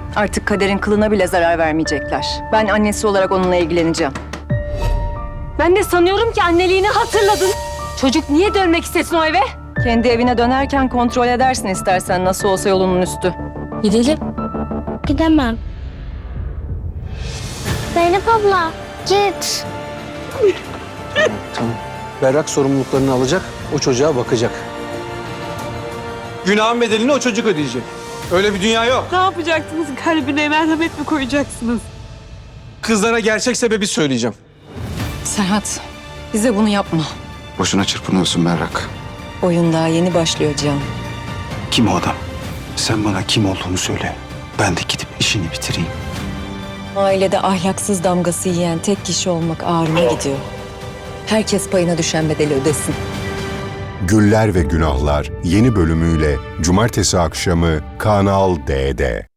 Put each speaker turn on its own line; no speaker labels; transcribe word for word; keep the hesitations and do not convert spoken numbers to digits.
Artık Kader'in kılına bile zarar vermeyecekler. Ben annesi olarak onunla ilgileneceğim.
Ben de sanıyorum ki anneliğini hatırladın. Çocuk niye dönmek istesin o eve?
Kendi evine dönerken kontrol edersin istersen, nasıl olsa yolunun üstü.
Gidelim.
Gidemem. Zeynep abla git.
Tamam. Berrak sorumluluklarını alacak, o çocuğa bakacak. Günahın bedelini o çocuk ödeyecek. Öyle bir dünya yok.
Ne yapacaksınız? Kalbine merhamet mi koyacaksınız?
Kızlara gerçek sebebi söyleyeceğim.
Serhat, bize bunu yapma.
Boşuna çırpınıyorsun Berrak.
Oyun daha yeni başlıyor Cihan.
Kim o adam? Sen bana kim olduğunu söyle. Ben de gidip işini bitireyim.
Ailede ahlaksız damgası yiyen tek kişi olmak ağrıma gidiyor. Herkes payına düşen bedeli ödesin.
Güller ve Günahlar yeni bölümüyle Cumartesi akşamı Kanal D'de.